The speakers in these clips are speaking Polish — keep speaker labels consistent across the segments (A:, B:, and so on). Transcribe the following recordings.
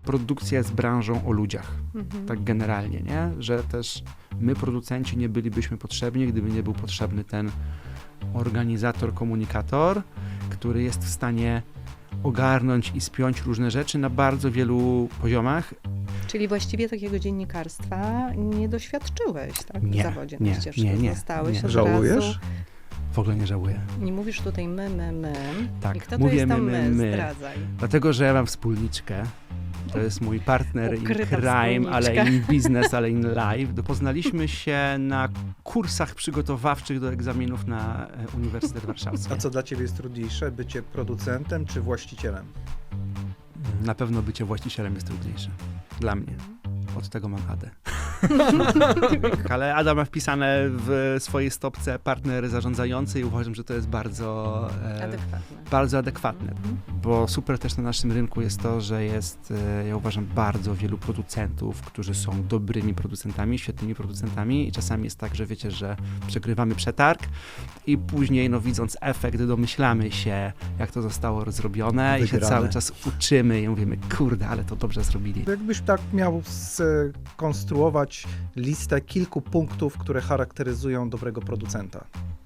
A: produkcja jest branżą o ludziach, tak generalnie, nie? Że też my, producenci, nie bylibyśmy potrzebni, gdyby nie był potrzebny ten organizator, komunikator, który jest w stanie ogarnąć i spiąć różne rzeczy na bardzo wielu poziomach.
B: Czyli właściwie takiego dziennikarstwa nie doświadczyłeś, tak?
A: Nie,
B: w zawodzie
A: nie,
B: na ścieżce.
A: nie.
B: Zostałeś od
C: Żałujesz?
B: razu.
A: W ogóle nie żałuję.
B: Nie mówisz tutaj my.
A: Tak,
B: I kto to
A: mówię
B: jest tam
A: my.
B: Zdradzaj.
A: Dlatego, że ja mam wspólniczkę. To jest mój partner in
B: Ukryta
A: crime, ale
B: wspólniczka.
A: in business, ale in life. Poznaliśmy się na kursach przygotowawczych do egzaminów na Uniwersytet Warszawski.
C: A co dla ciebie jest trudniejsze, bycie producentem czy właścicielem?
A: Na pewno bycie właścicielem jest trudniejsze. Dla mnie. Od tego mam Adę. Ale Ada ma wpisane w swojej stopce partner zarządzający i uważam, że to jest bardzo adekwatne. Bo super też na naszym rynku jest to, że jest, ja uważam, bardzo wielu producentów, którzy są dobrymi producentami, świetnymi producentami i czasami jest tak, że wiecie, że przegrywamy przetarg i później, no widząc efekt, domyślamy się, jak to zostało zrobione i się cały czas uczymy i mówimy, kurde, ale to dobrze zrobili.
C: Jakbyś tak miał skonstruować listę kilku punktów, które charakteryzują dobrego producenta.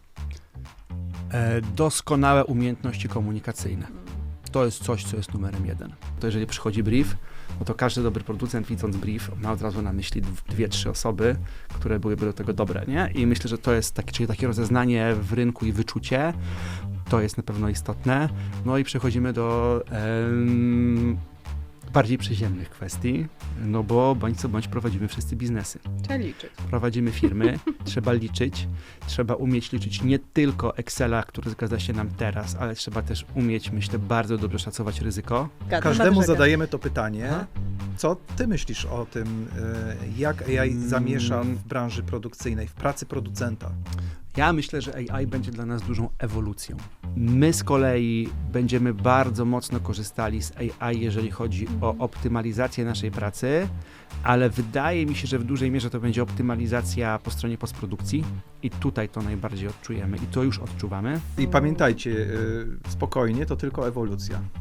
A: Doskonałe umiejętności komunikacyjne. To jest coś, co jest numerem 1. To jeżeli przychodzi brief, no to każdy dobry producent, widząc brief, ma od razu na myśli 2-3 osoby, które byłyby do tego dobre, nie? I myślę, że to jest czyli takie rozeznanie w rynku i wyczucie. To jest na pewno istotne. No i przechodzimy do bardziej przyziemnych kwestii, no bo bądź co bądź prowadzimy wszyscy biznesy.
B: Trzeba liczyć.
A: Prowadzimy firmy, trzeba liczyć, trzeba umieć liczyć nie tylko Excela, który zgadza się nam teraz, ale trzeba też umieć, myślę, bardzo dobrze szacować ryzyko.
C: Każdemu zadajemy to pytanie. Co ty myślisz o tym, jak AI zamiesza w branży produkcyjnej, w pracy producenta?
A: Ja myślę, że AI będzie dla nas dużą ewolucją. My z kolei będziemy bardzo mocno korzystali z AI, jeżeli chodzi o optymalizację naszej pracy, ale wydaje mi się, że w dużej mierze to będzie optymalizacja po stronie postprodukcji i tutaj to najbardziej odczujemy i to już odczuwamy.
C: I pamiętajcie, spokojnie, to tylko ewolucja.